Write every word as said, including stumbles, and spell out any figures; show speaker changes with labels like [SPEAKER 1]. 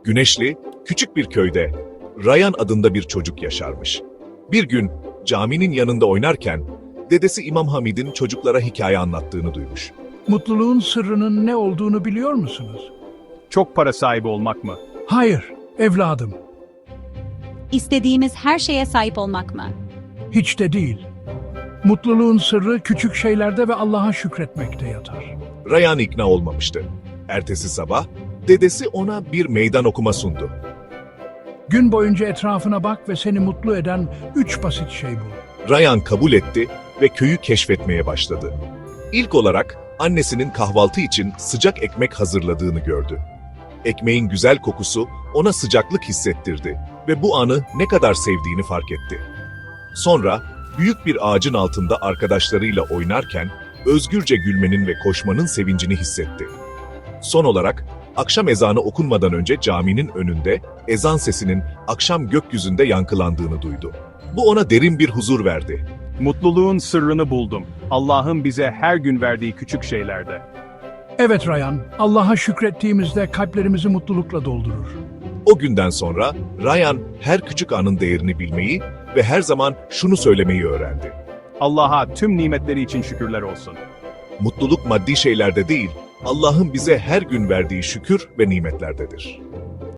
[SPEAKER 1] Güneşli, küçük bir köyde Ryan adında bir çocuk yaşarmış. Bir gün caminin yanında oynarken dedesi İmam Hamid'in çocuklara hikaye anlattığını duymuş.
[SPEAKER 2] Mutluluğun sırrının ne olduğunu biliyor musunuz?
[SPEAKER 3] Çok para sahibi olmak mı?
[SPEAKER 2] Hayır, evladım.
[SPEAKER 4] İstediğimiz her şeye sahip olmak mı?
[SPEAKER 2] Hiç de değil. Mutluluğun sırrı küçük şeylerde ve Allah'a şükretmekte yatar.
[SPEAKER 1] Ryan ikna olmamıştı. Ertesi sabah dedesi ona bir meydan okuma sundu.
[SPEAKER 2] Gün boyunca etrafına bak ve seni mutlu eden üç basit şey bul.
[SPEAKER 1] Ryan kabul etti ve köyü keşfetmeye başladı. İlk olarak annesinin kahvaltı için sıcak ekmek hazırladığını gördü. Ekmeğin güzel kokusu ona sıcaklık hissettirdi ve bu anı ne kadar sevdiğini fark etti. Sonra büyük bir ağacın altında arkadaşlarıyla oynarken özgürce gülmenin ve koşmanın sevincini hissetti. Son olarak akşam ezanı okunmadan önce caminin önünde ezan sesinin akşam gökyüzünde yankılandığını duydu. Bu ona derin bir huzur verdi.
[SPEAKER 3] Mutluluğun sırrını buldum. Allah'ın bize her gün verdiği küçük şeylerde.
[SPEAKER 2] Evet Ryan, Allah'a şükrettiğimizde kalplerimizi mutlulukla doldurur.
[SPEAKER 1] O günden sonra Ryan her küçük anın değerini bilmeyi ve her zaman şunu söylemeyi öğrendi.
[SPEAKER 3] Allah'a tüm nimetleri için şükürler olsun.
[SPEAKER 1] Mutluluk maddi şeylerde değil, Allah'ın bize her gün verdiği şükür ve nimetlerdedir.